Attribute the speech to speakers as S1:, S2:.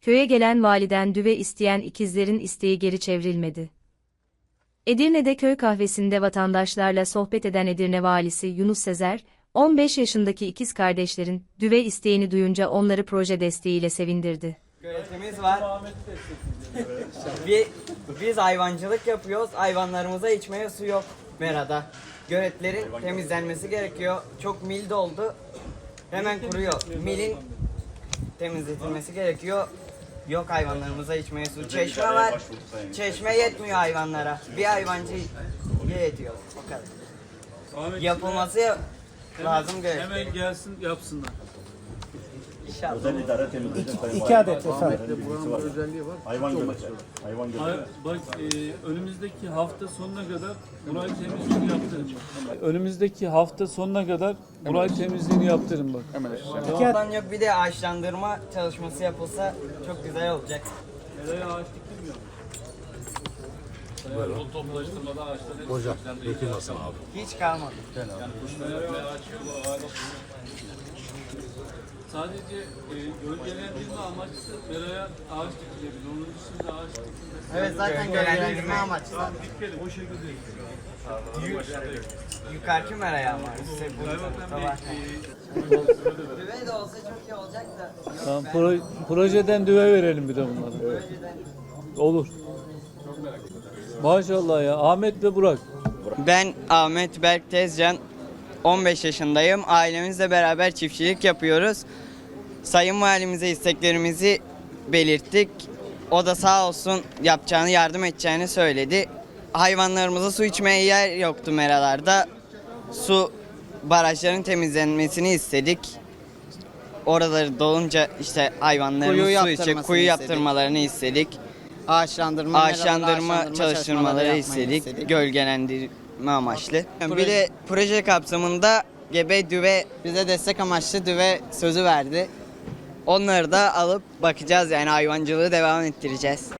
S1: köye gelen validen düve isteyen ikizlerin isteği geri çevrilmedi. Edirne'de köy kahvesinde vatandaşlarla sohbet eden Edirne valisi Yunus Sezer, 15 yaşındaki ikiz kardeşlerin düve isteğini duyunca onları proje desteğiyle sevindirdi.
S2: Göletimiz var. Biz hayvancılık yapıyoruz. Hayvanlarımıza içmeye su yok merada. Göletlerin temizlenmesi gerekiyor. Çok mil doldu. Hemen kuruyor. Milin temizletilmesi gerekiyor. Yok hayvanlarımıza içmeye su. Çeşme var. Çeşme yetmiyor hayvanlara. Bir hayvancı yetiyor. O kadar. Yapılması lazım gölet.
S3: Hemen gelsin yapsınlar.
S2: İnşallah.
S4: Özel idare temizleyecek.
S5: İki adet efendim.
S4: Buranın özelliği var. Hayvan göleti. Hayvan göleti.
S3: Bak önümüzdeki hafta sonuna kadar burayı temizliğini yaptırın. Önümüzdeki hafta sonuna kadar burayı temizliğini yaptırın bak.
S2: Ondan yok bir de ağaçlandırma çalışması yapılsa çok güzel olacak.
S3: Nereye ağaç diktim ya? Yol toplaştırmada ağaçlar hep
S6: Hocam, Bekir nasıl abi?
S2: Hiç kalmadı.
S3: sadece gölgelendirme amaçlı meraya ağaç dikilebilir. Onun dışında ağaç dikilmesi.
S2: Evet zaten gölgelendirme amaçlı.
S3: O şekilde.
S2: Yukarıki meraya ama. İşte bu var. Düve de olsa çok iyi olacak da.
S3: Tamam, projeden düve verelim bir de bunlara. Olur. Maşallah ya. Ahmet ve Burak.
S2: Ben Ahmet Berk Tezcan, 15 yaşındayım. Ailemizle beraber çiftçilik yapıyoruz. Sayın Valimize isteklerimizi belirttik. O da sağ olsun yapacağını, yardım edeceğini söyledi. Hayvanlarımıza su içmeye yer yoktu meralarda. Su barajların temizlenmesini istedik. Oraları dolunca işte hayvanlarımız su içecek, kuyu yaptırmalarını istedik. Ağaçlandırma çalıştırmaları istedik. Gölgelendirme amaçlı. Bir de proje kapsamında gebe düve bize destek amaçlı düve sözü verdi. Onları da alıp bakacağız yani hayvancılığı devam ettireceğiz.